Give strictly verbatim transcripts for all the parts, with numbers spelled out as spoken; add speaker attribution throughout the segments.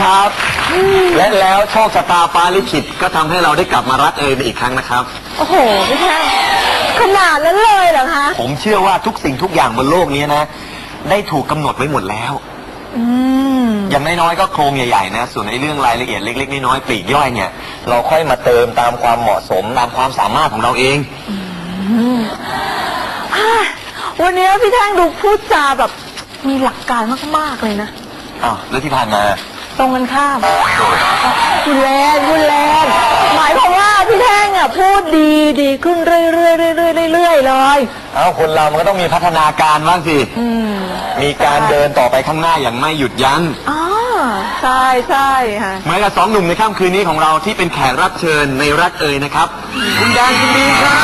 Speaker 1: ครับและแล้วโชคชะตาฟ้าลิขิตก็ทำให้เราได้กลับมารักเอยอีกครั้งนะครับ
Speaker 2: โอ้โหพี่แท่งขนาดนั้นเลยเหรอคะ
Speaker 1: ผมเชื่อว่าทุกสิ่งทุกอย่างบนโลกนี้นะได้ถูกกำหนดไว้หมดแล้ว
Speaker 2: อืม
Speaker 1: อย่างน้อยๆก็โครงใหญ่ๆนะส่วนในเรื่องรายละเอียดเล็กๆน้อยๆปลีกย่อยเนี่ยเราค่อยมาเติมตามความเหมาะสมตามความสามารถของเราเอง
Speaker 2: วันนี้พี่แท่งดูพูดจาแบบมีหลักการมากๆเลยนะ
Speaker 1: อ้าวแล้วที่ผ่านมา
Speaker 2: ตรงกันข้ามคุณแลนคุณแลนหมายความว่าพี่แท่งอ่ะพูดดีดีขึ้นเรื่อยๆเรื่อยๆเรื่อยๆเลย
Speaker 1: เอ้าคนเรามันก็ต้องมีพัฒนาการบ้างสิมีการเดินต่อไปข้างหน้าอย่างไม่หยุดยั้ง
Speaker 2: อ๋อใช่ใช่ค่ะ
Speaker 1: เหมือนกับสองหนุ่มในค่ำคืนนี้ของเราที่เป็นแขกรับเชิญในรักเอ่ยนะครับคุณแดนคุณบีครับ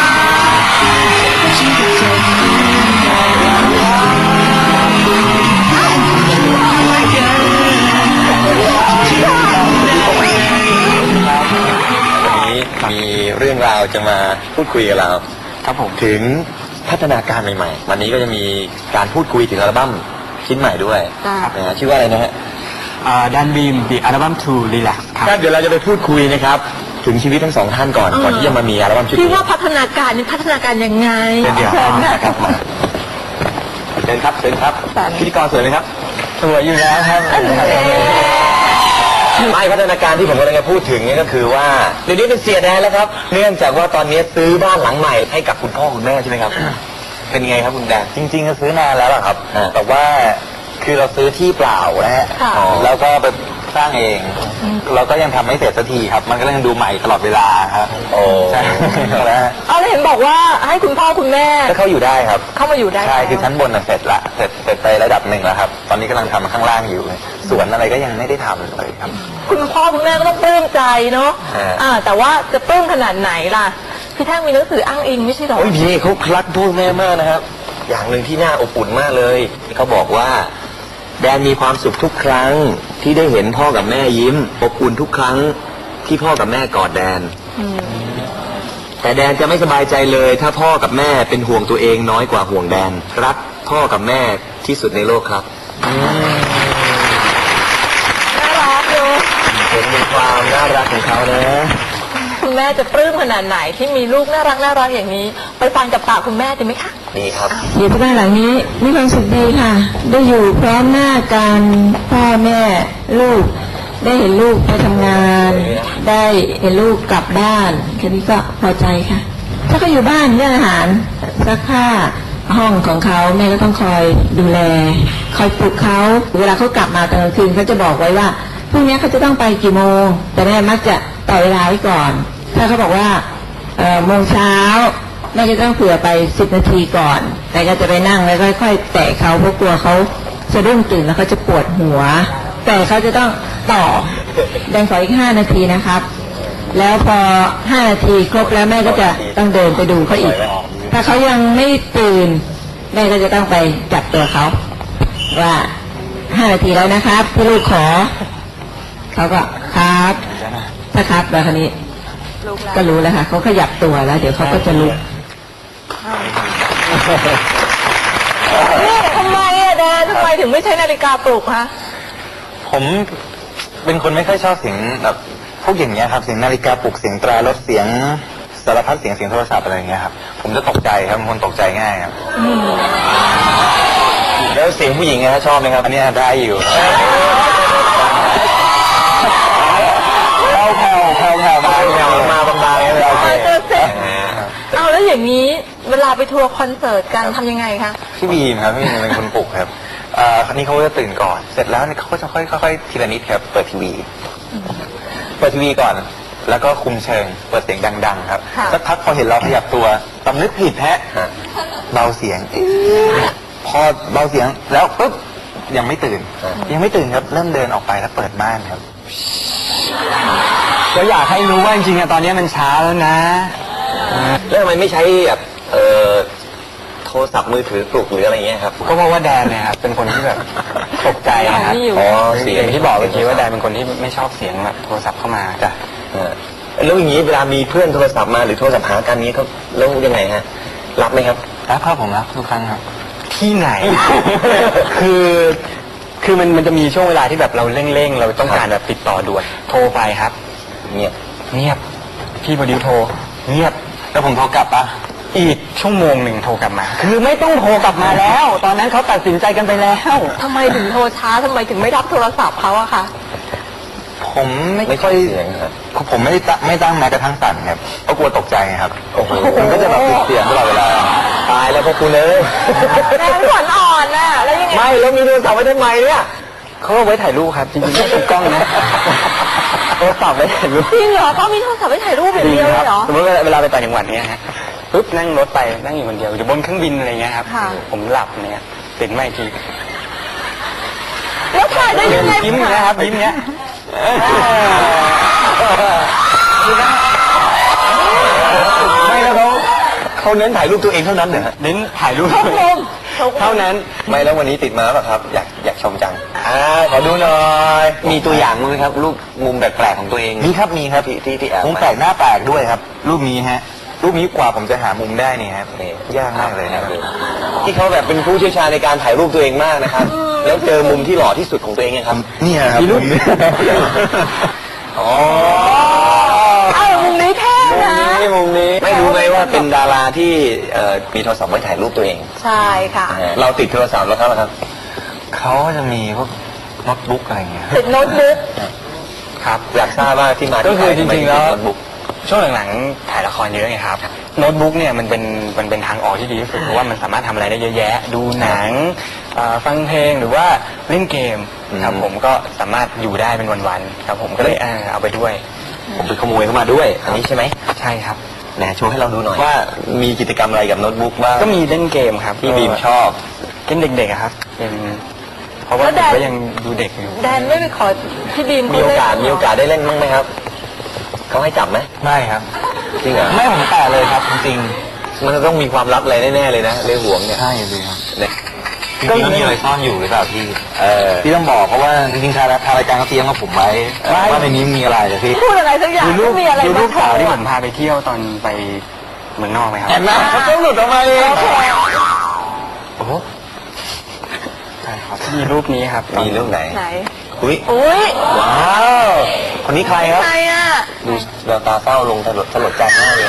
Speaker 1: มีเรื่องราวจะมาพูดคุยกับเราครับผมถึงพัฒนาการใหม่ๆวันนี้ก็จะมีการพูดคุยถึงอัลบั้มชิ้นใหม่ด้วยนะชื่อว่าอะไรนะฮะ
Speaker 3: ดันบีม The Album to Relax
Speaker 1: ครับเดี๋ยวเราจะไปพูดคุยนะครับถึงชีวิตทั้งสองท่านก่อนก่อนที่จะมามีอัลบั้มชุดนี้
Speaker 2: พี่ว่าพัฒนาการนี่พัฒนาการยังไง
Speaker 1: เดี๋ยวครับมาเชิญครับเชิญครับพิธีกรสวยไหมครับ
Speaker 3: สวยอยู่แล้วครับ
Speaker 1: ไม่พัฒนาการที่ผมกำลังจะพูดถึงนี่ก็คือว่าเดี๋ยวนี้เป็นเสียแดนแล้วครับเนื่องจากว่าตอนนี้ซื้อบ้านหลังใหม่ให้กับคุณพ่อคุณแม่ใช่ไหมครับเป็นไงครับคุณแดน
Speaker 3: จริงๆก็ซื้อนานแล้วครับ
Speaker 1: แต่ว่าคือเราซื้อที่เปล่านะฮะแล้วก็ไปสร้างเองเราก็ยังทำไม่เสร็จสักทีครับมันก็ยังดูใหม่ตลอดเวลาครับโอ้ใช่
Speaker 2: แล้วเอาเลยเห็นบอกว่าให้คุณพ่อคุณแม่
Speaker 1: ก็เข้าอยู่ได้ครับ
Speaker 2: เข้ามาอยู่ได้
Speaker 1: ใช่คือชั้นบนเสร็จละเสร็จเสร็จไประดับหนึ่งแล้วครับตอนนี้กำลังทำข้างล่างอยู่สวนอะไรก็ยังไม่ได้ทำเลยครับ
Speaker 2: คุณพ่อคุณแม่ก็ต้องปลื้มใจเนาะอ่าแต่ว่าจะปลื้มขนาดไหนล่ะพี่แท่งมีหนังสืออ้างอิงไม่ใช่หรอ
Speaker 1: โอ้ยพี่เขารักพ่อแม่มากนะครับอย่างหนึ่งที่น่าอบอุ่นมากเลยเขาบอกว่าแดนมีความสุขทุกครั้งที่ได้เห็นพ่อกับแม่ยิ้มอบอุ่นทุกครั้งที่พ่อกับแม่กอดแดนแต่แดนจะไม่สบายใจเลยถ้าพ่อกับแม่เป็นห่วงตัวเองน้อยกว่าห่วงแดนรักพ่อกับแม่ที่สุดในโลกครับ
Speaker 2: น่ารักอยู่
Speaker 1: เห็นมีความน่ารักของเขานะ
Speaker 2: คุณแม่จะปลื้มขนาดไหนที่มีลูกน่ารักน่ารักอย่างนี้ไปฟังกับปากคุณแม่ดีไหมคะ
Speaker 1: ดีครับ
Speaker 4: อยู่ที่บ้านหลังนี้มีความสุขดีค่ะได้อยู่พร้อมหน้ากันพ่อแม่ลูกได้เห็นลูกไปทำงานได้เห็นลูกกลับบ้านแค่นี้ก็พอใจค่ะถ้าเขาอยู่บ้านเรื่องอาหารซักผ้าห้องของเขาแม่ก็ต้องคอยดูแลคอยปลุกเขาเวลาเขากลับมาตอนกลางคืนเขาจะบอกไว้ว่าพรุ่งนี้เขาจะต้องไปกี่โมงแต่แม่มักจะต่อเวลาไว้ก่อนถ้าเขาบอกว่าเอ่อโมงเช้าแม่จะต้องเผื่อไปสิบนาทีก่อนแต่ก็จะไปนั่งแล้วค่อยๆแตะเขาเพราะกลัวเขาจะรุ่งตื่นแล้วเขาจะปวดหัวแต่เขาจะต้องต่อแดงขออีกห้านาทีนะครับแล้วพอห้านาทีครบแล้วแม่ก็จะต้องเดินไปดูเขาอีกถ้าเขายังไม่ตื่นแม่ก็จะต้องไปจับตัวเขาว่าห้านาทีแล้วนะครับพี่ลูกขอเขาก็ครับถ้าครับแล้วคราวนี้ก็รู้แล้วค่ะเขาขยับตัวแล้วเดี๋ยวเขาก็จะลุก
Speaker 2: นี่ทำไมอะแดนทำไมถึงไม่ใช้นาฬิกาปลุกคะ
Speaker 1: ผมเป็นคนไม่ค่อยชอบเสียงแบบพวกอย่างเงี้ยครับเสียงนาฬิกาปลุกเสียงตรารถเสียงสารพัดเสียงเสียงโทรศัพท์อะไรอย่างเงี้ยครับผมจะตกใจครับเป็นคนตกใจง่ายครับแล้วเสียงผู้หญิงนะชอบไหมครับอันนี้ได้อยู่แผ่วแผ่วแผ่วมาแผ่วมาบางๆเลยโอเค
Speaker 2: เอาแล้วอย่างนี้เวลาไปทัวร์คอนเสิร์ตกันทำยังไงคะ
Speaker 1: พี่บีมครับพี่บีมเป็นคนปลุกครับอ่าคราวนี้เขาจะตื่นก่อนเสร็จแล้วเขาก็จะค่อยๆทีละนิดครับเปิดทีวีเปิดทีวีก่อนแล้วก็คุมเชิงเปิดเสียงดังๆครับสักพักพอเห็นเราขยับตัวสำนึกผิดแฮะเบาเสียงพอเบาเสียงแล้วปุ๊บยังไม่ตื่นยังไม่ตื่นครับเริ่มเดินออกไปแล้วเปิดม่านครับ
Speaker 3: ก็อยากให้รู้ว่าจริงๆตอนนี้มันช้าแล้วนะ
Speaker 1: แล้วทำไมไม่ใช้แบบเออโทรศัพท์มือถือปลุกหรืออะไรเงี้ยครับ
Speaker 3: ก็เพราะว่าแดนเนี่ยครับเป็นคนที่แบบตกใจนะครับ
Speaker 1: อ๋อเสียง
Speaker 3: ที่บอกเมื่อกี้ว่าแดนเป็นคนที่ไม่ชอบเสียงแบบโทรศัพท์เข้ามาจ้ะ
Speaker 1: แล้วอย่างนี้เวลามีเพื่อนโทรศัพท์มาหรือโทรศัพท์หากันนี้เขาแล้วยังไงฮะรับไหมครับ
Speaker 3: รับครับผมรับทุกครั้งครับที่ไหน คือคือมันมันจะมีช่วงเวลาที่แบบเราเร่งๆเราต้องการแบบติดต่อด่วนโทรไปครับ
Speaker 1: เงียบ
Speaker 3: เงียบพี่โปรดิวโทรเงียบ
Speaker 1: แล้วผมโทรกลับปะ
Speaker 3: อีกชั่วโมงหนึ่งโทรกลับมา คือไม่ต้องโทรกลับมาแล้ว ตอนนั้นเขาตัดสินใจกันไปแล้ว
Speaker 2: ทำไมถึงโทรช้าทำไมถึงไม่รับโทรศัพท์เขาอะคะ
Speaker 1: ผมไม่ค่อยผมไม่ได้ตั้งไม่ตั้งแม้กระทั่งสั่นครับเพราะกลัวตกใจไงครับโอ้โหมันก็จะแบบปิดเสียงตลอดเวลาตายแล้วพวกคุณเลย
Speaker 2: แรงขวัญอ่อนน่ะแล้วยังไง
Speaker 1: ไม่แล้วมีโทรศัพท์ไว้ทำไมเนี่ย
Speaker 3: เขาเอาไว้ถ่ายรูปครับจริงๆไม่ติดกล้องนะโทรศัพท์ไว้ถ่ายรูป
Speaker 2: จริงเหรอเขามีโทรศัพท์ไว้ถ่ายรูปอย่างเดียวเลยเหรอ
Speaker 3: สมมติเวลาไปต่างจังหวัดเนี้ยฮะปุ๊บนั่งรถไปนั่งอยู่คนเดียวอยู่บนเครื่องบินอะไรเงี้ยครับ
Speaker 2: ค่ะ
Speaker 3: ผมหลับเนี่ยตื่นมาอีกที
Speaker 2: แล้วถ่ายได้ยังไง
Speaker 3: ยิ้มนะครับยิ้มเนี้ย
Speaker 1: ไม่แล้วเขาเขาเน้นถ่ายรูปตัวเองเท่านั้นเหรอ
Speaker 3: เน้นถ่ายรูป
Speaker 2: เขาคม
Speaker 3: เท่านั้น
Speaker 1: ไม่แล้ววันนี้ติดมาป่ะครับ อยากอยากชมจังอ่าขอดูหน่อย
Speaker 5: มีตัวอย่างมั้ยครับรูปมุมแปลกๆของตัวเอง
Speaker 1: มีครับมีครับ
Speaker 5: ที่ที่ที่แอบ
Speaker 1: มุมแปลกหน้าแปลกด้วยครับ รูปนี้ฮะ รูปนี้กว่าผมจะหามุมได้เนี่ยครับยากมากเลยนะครับ
Speaker 5: ที่เขาแบบเป็นผู้เชี่ยวชาญในการถ่ายรูปตัวเองมากนะครับ แล้วเจอมุมที่หล่อที่สุดของตัวเองเนี่ยครับ
Speaker 1: เนี่ยครับ
Speaker 5: มีรูป
Speaker 1: มุมนี้อ๋อ
Speaker 2: เอ้ามุมนี้เท่นะ
Speaker 5: นี่มุมนี้ไม่รู้ไหมว่าเป็นดาราที่เอ่อมีโทรศัพท์ไว้ถ่ายรูปตัวเอง
Speaker 2: ใช่ค่ะ
Speaker 5: เราติดโทรศัพท์แล้วครับครับ
Speaker 1: เขาจะมีพวกโน้ตบุ๊กอะไรเงี้ย
Speaker 2: ติดโน้ตบุ๊ก
Speaker 3: ครับ
Speaker 5: อยากทราบว่าที่มา
Speaker 3: ก็
Speaker 5: ที่
Speaker 3: คือ
Speaker 5: ไป
Speaker 3: จริงๆแล้ว
Speaker 5: ทำไมถึติดโน้ตบุ๊ก
Speaker 3: ช่วงหลังๆถ่ายละครเยอะไงครับโน้ตบุ๊กเนี่ยมันเป็นมันเป็นทางออกที่ดีที่สุดเพราะว่ามันสามารถทำอะไรได้เยอะแยะ ดูหนังเอ่อฟังเพลงหรือว่าเล่นเกมครับผมก็สามารถอยู่ได้เป็นวันๆครับผมก็เลยเออเอาไปด้วย
Speaker 5: ผมไปขโมยเข้ามาด้วยอันนี้ใช่ไหม
Speaker 3: ใช่ครับ
Speaker 5: ไหนโชว์ให้เราดูหน่อยว่ามีกิจกรรมอะไรกับโน้ตบุ๊กบ้าง
Speaker 3: ก็มีเล่นเกมครับ
Speaker 5: ที่บีมชอบ
Speaker 3: เล่นเด็กๆอะครับเป็นเพราะว่าผมก็ยังดูเด็กอยู่
Speaker 2: แดนไม่ไปขอพี่บีม
Speaker 5: มีโอกาสมีโอกาสได้เล่นบ้างไหมครับเขาให้จับไหม
Speaker 1: ไม่ครับ
Speaker 5: จริงเหรอ
Speaker 1: ไม่ผมแตะเลยครับจริง
Speaker 5: มันจะต้องมีความลับอะไรแน่ๆเลยนะเรื่องห่วงเนี่ย
Speaker 1: ๆใช่เลยครับ
Speaker 5: เนี่ย
Speaker 1: จริงๆมีอะไรซ่อนอยู่หรือเปล่าพี่
Speaker 5: เออ
Speaker 1: พี่ต้องบอกเพราะว่าจริงๆทางทางรายการเขาเตรียมมาผมไว้ว่าในนี้มีอะไรอะพี่
Speaker 2: พูดอะไรสักอย่าง
Speaker 3: ดูรูป
Speaker 2: มีอะไร
Speaker 3: ดูรูป
Speaker 2: มาโช
Speaker 3: สาว
Speaker 2: ว์
Speaker 3: ที่ผ
Speaker 2: อะ
Speaker 3: มพาไปเที่ยวตอนไปเมืองนอกไหมครับ
Speaker 1: เห็นไหมเขาต้องหลุดออกมาเอง
Speaker 3: โอ้โหใช่ครับมีรูปนี้ครับ
Speaker 5: มีเรื่องไหน
Speaker 2: ไหน
Speaker 5: อุ้ย
Speaker 2: อุ้ย
Speaker 5: ว้าวคนนี้ใครครับ
Speaker 2: ใครอ่ะ
Speaker 5: ดูแววตาเศร้าลงสลดสลดใจมากเลย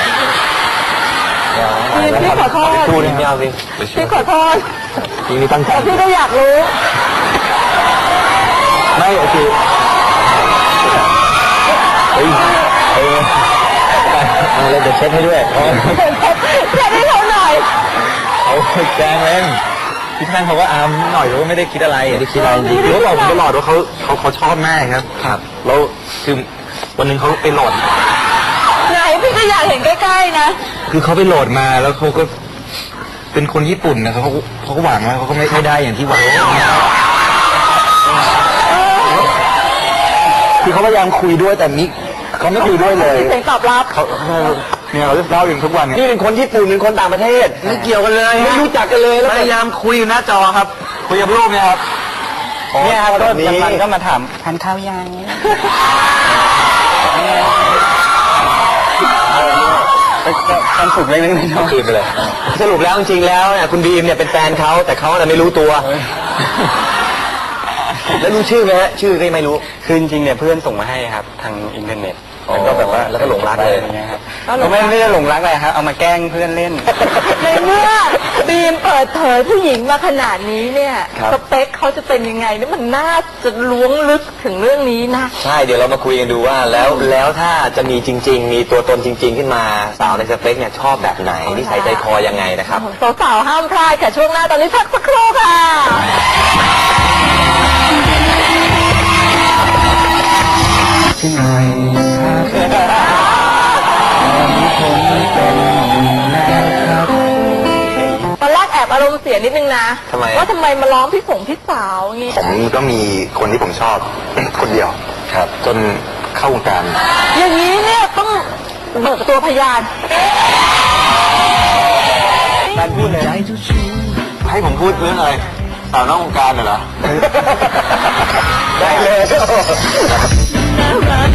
Speaker 2: พี่พี่ขอโทษ
Speaker 5: พูดไม่เอาสิ
Speaker 2: พี่ขอโทษ
Speaker 1: พี่นี่ตั้งใจ
Speaker 2: แต่พี่ก็อยากรู้
Speaker 1: ไม่โอเคเฮ้ยเฮ้ยเอาเลยเดี๋ยวเช็ดให้ด้วย
Speaker 2: แค่นี้เขาหน่อย
Speaker 1: เอาแกล้งเล่นพี่ท่านเขาก็อามหน่อยเขาก็ไม่ได้คิดอะไรไม่ได้คิดอะไรจริงๆเขาบอกผมตลอดว่าเขาเขาเขาชอบมากครับครับแล้วคือวันหนึงเขาไปโหลด
Speaker 2: ไหนพี่ก็อยากเห็นใกล้ๆนะ
Speaker 1: คือเขาไปโหลดมาแล้วเขาก็เป็นคนญี่ปุ่นนะเขาก็เขาก็หวังว่าเขาก็ไม่ไม่ได้อย่างที่หวังคือเขาพยายามคุยด้วยแต่นี้เขาไม่คุยด้วยเลย
Speaker 2: เสียงตอบรับ
Speaker 1: เขาเนี่ยเราเล่าอยู่ทุกวันเนี่ย
Speaker 5: นี่เป็นคนญี่ปุ่นเป็นคนต่างประเทศไม่เกี่ยวกันเลยไม่รู้จักกันเลยแล้ว
Speaker 1: พยายามคุยอยู่หน้าจอครับ คุยกับรูปเนี่ยครับ
Speaker 3: เนี่ยครับ
Speaker 5: แบ
Speaker 3: ก็
Speaker 5: บนี้
Speaker 3: มันก็มาถามทานข้าวยังการฝึกเล็กๆน้อย
Speaker 5: คืนไปเลย สรุปแล้วจริงๆแล้วเนี่ยคุณบีมเนี่ยเป็นแฟนเขาแต่เขาเนี่ยไม่รู้ตัว แล้วรู้ชื่อไหมฮะชื่อก็ไม่รู้
Speaker 3: ๆคือจริงๆเนี่ยเพื่อนส่งมาให้ครับ ทางอินเทอร์เน็ต
Speaker 5: อ๋อ
Speaker 3: แล้วก็แบบว่า
Speaker 5: แล้วก็หลงรักเลย
Speaker 3: อะไรเงี้ยครับก็ไม่ไม่ได้หลงรักอะไรครับเอามาแกล้งเพื่อนเล่น
Speaker 2: ในเมื่อบีมเปิดเผยผู้หญิงมาขนาดนี้เนี่ย
Speaker 5: ครับ
Speaker 2: สเปคเขาจะเป็นยังไงนี่มันน่าจะล้วงลึกถึงเรื่องนี้นะ
Speaker 5: ใช่เดี๋ยวเรามาคุยกันดูว่าแล้วแล้วถ้าจะมีจริง ๆ มีตัวตนจริง ๆ ขึ้นมาสาวในสเปคเนี่ยชอบแบบไหนนิสัยใจคอยังไงนะครับ
Speaker 2: สาวๆห้ามพลาดค่ะช่วงหน้าตอนนี้พักสักครู่ค่ะ
Speaker 3: ที่ไหนครับผมเป็นแล้วครับ
Speaker 2: ตอนแรกแอบอารมณ์เสียนิดนึงนะ
Speaker 5: ทำไม
Speaker 2: ว่าทำไมมาร้องพี่สงพี่สาวงี้
Speaker 1: ผมก็มีคนที่ผมชอบ คนเดียวครับจนเข้าวงการ
Speaker 2: อย่างนี้เนี่ยต้องเบิกตัวพยาน
Speaker 3: การพูดเลย
Speaker 1: ให้ผมพูดเรื่องอะไรสาวนอกวงการเหรอ
Speaker 5: ได้เลย
Speaker 2: น่ารัก